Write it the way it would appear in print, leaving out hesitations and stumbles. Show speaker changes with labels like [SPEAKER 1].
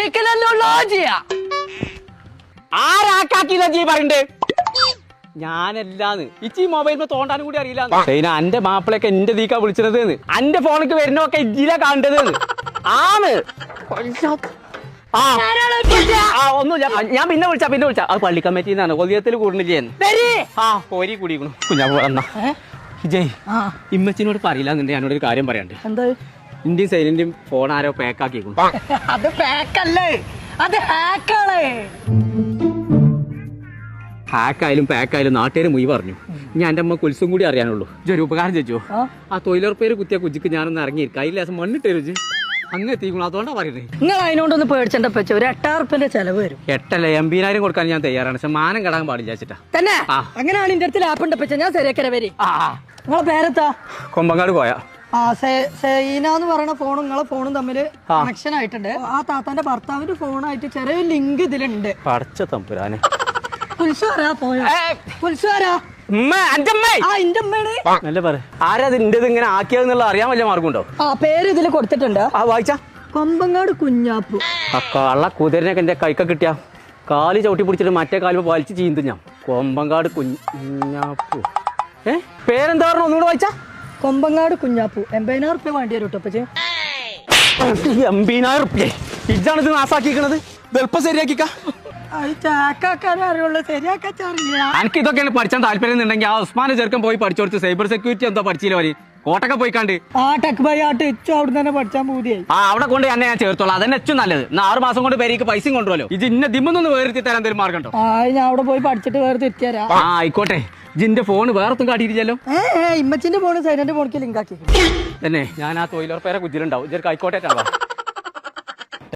[SPEAKER 1] ചോദിക്കലല്ലോ ചെയ്യാ
[SPEAKER 2] ആരാക്കില്ല ജീ പറയണ്ടേ ഞാനല്ലാന്ന് ഇച്ചി മൊബൈലിൽ തോണ്ടാനും കൂടി അറിയില്ല അന്റെ മാപ്പിളൊക്കെ എന്റെ ദീക്കാ വിളിച്ചത് അന്റെ ഫോണിക്ക് വരുന്നൊക്കെ ഇജ്ജിലാ കാണേണ്ടത് ആണ് ഒന്നുമില്ല ഞാൻ പിന്നെ വിളിച്ച അത് പള്ളി കമ്മിറ്റിന്നാണ് കൊതിയത്തിൽ കൂടുന്നില്ലേ പോരി കൂടിക്കണു കുഞ്ഞാ പോന്ന ജയ് ഇമ്മച്ചിനോട് പറയില്ല എന്നുണ്ടെങ്കിൽ ഞാനോട് ഒരു കാര്യം പറയാണ്ട്
[SPEAKER 1] എന്താ
[SPEAKER 2] ഇന്ത്യയും സൈലന്റും ഫോൺ ആരോ പാക്കാക്കിക്കണു
[SPEAKER 1] അത് പാക്കല്ലേ അത് ഹാക്കാണ്
[SPEAKER 2] ഹാക്കായാലും പാക്കായാലും നാട്ടുകാർ മുയി പറഞ്ഞു ഞാൻ എൻ്റെ അമ്മ കുൽസും കൂടി അറിയാനുള്ളൂ ഒരു ഉപകാരം ചോദിച്ചോ ആ തൊഴിലുറപ്പേര് കുത്തിയ കുജിക്ക് ഞാനൊന്ന് ഇറങ്ങിയിരിക്കും അതിൽ ലേസം മണ്ണിട്ട് രുചി അങ്ങ് എത്തിക്കണം അതുകൊണ്ടാ പറയുന്നത്
[SPEAKER 1] നിങ്ങൾ അതിനോടൊന്ന് പേടിച്ചെന്റെ പച്ച ഒരു 8,000 ചെലവ് വരും
[SPEAKER 2] 8 80,000 കൊടുക്കാൻ ഞാൻ തയ്യാറാണ് പക്ഷെ മാനം കടാൻ പാടില്ല വെച്ചിട്ടാ
[SPEAKER 1] തന്നെ അങ്ങനെയാണ് എന്റെ അടുത്ത് ലാപ്പ് ഉണ്ട് പച്ച ഞാൻ ശരിയാക്കര വരി നിങ്ങളെ പേരെത്താ
[SPEAKER 2] കൊമ്പങ്ങാട് പോയാ
[SPEAKER 1] സൈന എന്ന് പറയുന്ന ഫോണും നിങ്ങളെ ഫോണും തമ്മിൽ കണക്ഷൻ ആയിട്ടുണ്ട് ആ താത്താന്റെ ഭർത്താവിന്റെ ഫോണായിട്ട് ചെറിയ ലിങ്ക് ഇതിലുണ്ട്
[SPEAKER 2] പടച്ച തമ്പുരാനെ ആരാ ഇന്റത് ഇങ്ങനെ ആക്കിയതെന്നുള്ള അറിയാൻ വല്ല മാർഗമുണ്ടോ
[SPEAKER 1] ആ പേര് ഇതിൽ കൊടുത്തിട്ടുണ്ട്
[SPEAKER 2] വായിച്ചാ
[SPEAKER 1] കൊമ്പങ്ങാട് കുഞ്ഞാപ്പു
[SPEAKER 2] ആ കള്ള കുതിരനൊക്കെ എന്റെ കൈക്ക കിട്ടിയ കാല് ചവിട്ടി പിടിച്ചിട്ട് മറ്റേ കാല് വലിച്ച് ചീന്തു ഞാൻ കൊമ്പങ്ങാട് കുഞ്ഞാപ്പു പേരെന്താ പറഞ്ഞു ഒന്നുകൂടെ വായിച്ചാ
[SPEAKER 1] കൊമ്പങ്ങാട് കുഞ്ഞാപ്പു 80,000 വേണ്ടി വരും കേട്ടോ
[SPEAKER 2] 80,000 ഇതാണ് ഇത് നാസാക്കിക്കണത് എളുപ്പം ശരിയാക്കിക്ക എനിക്ക് ഇതൊക്കെയാണ് പഠിച്ചാൻ താല്പര്യം ഉണ്ടെങ്കിൽ ആ ഉസ്മാന്റെ ചെറുക്കൻ പോയി പഠിച്ചു കൊടുത്ത് സൈബർ സെക്യൂരിറ്റി എന്തോ പഠിച്ചില്ല വരി കോട്ടൊക്കെ പോയി കണ്ട് അവിടെ കൊണ്ട് തന്നെ ഞാൻ ചേർത്തോളാം അതന്നെ ഏറ്റവും നല്ലത് 6 മാസം കൊണ്ട് പേരേക്ക് പൈസയും കൊണ്ടുവല്ലോ ഇത് ഇന്ന ദിമ്മൊന്നും വേർത്തി തരാൻ എന്തെങ്കിലും മാർഗം ഉണ്ടോ
[SPEAKER 1] ഞാൻ അവിടെ പോയി പഠിച്ചിട്ട് വേറെ തിരിച്ചുതരാം
[SPEAKER 2] ആയിക്കോട്ടെ ജിന്റെ ഫോൺ വേറെത്തും കാട്ടിയില്ലല്ലോ
[SPEAKER 1] ഇമ്മച്ചിന്റെ ഫോണ് സൈലന്റ് ഫോണിക്ക് ലിങ്ക് ആക്കി
[SPEAKER 2] തന്നെ ഞാൻ ആ തൊഴിലുറപ്പേരെ കുജിലുണ്ടാവും ഇതൊരു ആയിക്കോട്ടെ